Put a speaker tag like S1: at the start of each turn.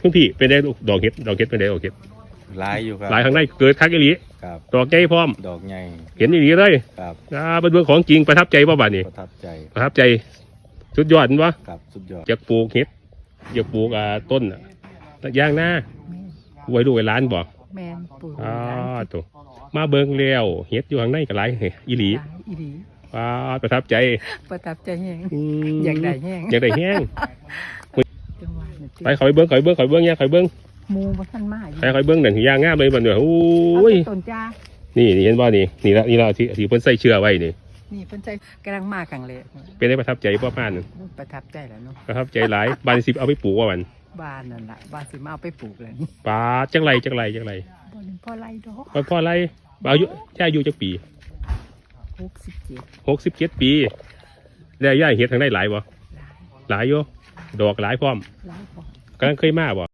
S1: คุณพี่เป็นได้ดอกเห็ดเป็นได้ดอกเห็ด
S2: หลายอยู่ครับ
S1: หลายครั้งได้เกิดคักอีหลี
S2: ครับ
S1: ดอกใหญ่พร้อม
S2: ดอกใหญ่
S1: เห็นอีหลีเลย
S2: ครับ
S1: เป็นเรื่องของจริงประทับใจป่ะบ้านนี้
S2: ประทับใจ
S1: ประทับใจสุดยอดวะ
S2: ครับสุดยอด
S1: อยากปลูกเห็ดอยากปลูกต้นย่างหน้าไว้ดูไว้ร้านบอก
S3: แมนปลูก
S1: ตัวมาเบิ่งแล้วเห็ดอยู่ข้างในก็หลายอีหลี
S3: อีหลี
S1: ประทับใจ
S3: ประทับใจแห้ง
S1: ม
S3: อยากได้แห้ง
S1: อยากได้แห้ง
S3: จังหวะนี่ติ
S1: ไปขอยเบิ้งเนี่ยขอยเบิ้ง
S3: หมูบ่ทันมาอยู่
S1: ไปขอยเบิ้งนั่นย่างงามเลยบัดเนี่ยโอ้
S3: เอา
S1: ย
S3: แต่ต้นจ้า
S1: นี่เห็นบ่นี่ละที่เพิ่นใส่เชือไว้นี่
S3: นี่เพิ่นใจกำลังมากังเลย
S1: เป็นได้ประทับใจพ่อพานนั่น
S3: ประทับใจแล้วเนาะ
S1: ประทับใจหลายบ้านสิเอาไปปลูกว่ามัน
S3: บ้านนั่นล่ะบ้านสิมาเอาไปปลูกเลยนี่
S1: ปลาจังไร
S3: บ่นึงพอไรดอก
S1: พ่อไรอายุย่าจักปี
S3: 67
S1: 67 ปีแล้วย่าเฮ็ดทางได้หลายบ่หลายอยู่ดอกหลายพร้อม
S3: หลายพอก
S1: ำลังเคยมาบ่